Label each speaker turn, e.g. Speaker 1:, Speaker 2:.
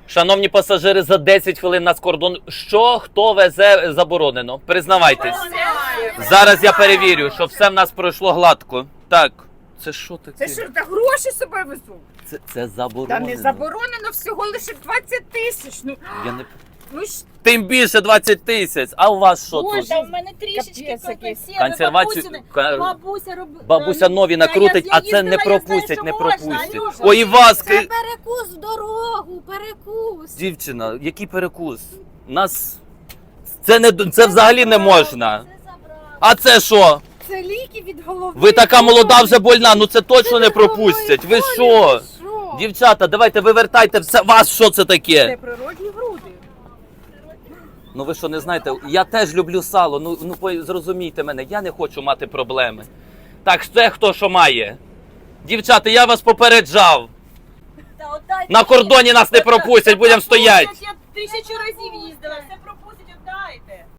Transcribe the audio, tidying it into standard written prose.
Speaker 1: Шановні пасажири, за 10 хвилин нас кордон. Що, хто везе заборонено? Признавайтесь. Зараз я перевірю, що все в нас пройшло гладко. Так, це що таке?
Speaker 2: Це що, та гроші з собою везу?
Speaker 1: Це заборонено.
Speaker 2: Та не заборонено, всього лише 20 тисяч. Ну,
Speaker 1: Я не...
Speaker 2: ну ж,
Speaker 1: Тим більше 20 тисяч. А у вас що
Speaker 2: Боже,
Speaker 1: тут?
Speaker 3: Та в мене трішечки
Speaker 2: Капець якийсь.
Speaker 1: Консервацію.
Speaker 3: Бабуся
Speaker 1: Нові накрутить, а це не пропустять, не пропустять. Ой, і вас...
Speaker 3: Це перекус в дорогу, перекус.
Speaker 1: Дівчина, який перекус? Нас... Це взагалі не можна. А це що?
Speaker 2: це ліки від голови.
Speaker 1: Ви така молода, вже больна, ну це точно не пропустять. Ви що? Дівчата, давайте вивертайте все. Вас що це таке?
Speaker 2: Це природні груди.
Speaker 1: Ну ви що, не знаєте, я теж люблю сало, ну зрозумійте мене, я не хочу мати проблеми. Так, це хто що має? Дівчата, я вас попереджав. На кордоні нас не пропустять, будемо стояти.
Speaker 3: Я 1000 разів їздила, все пропустять.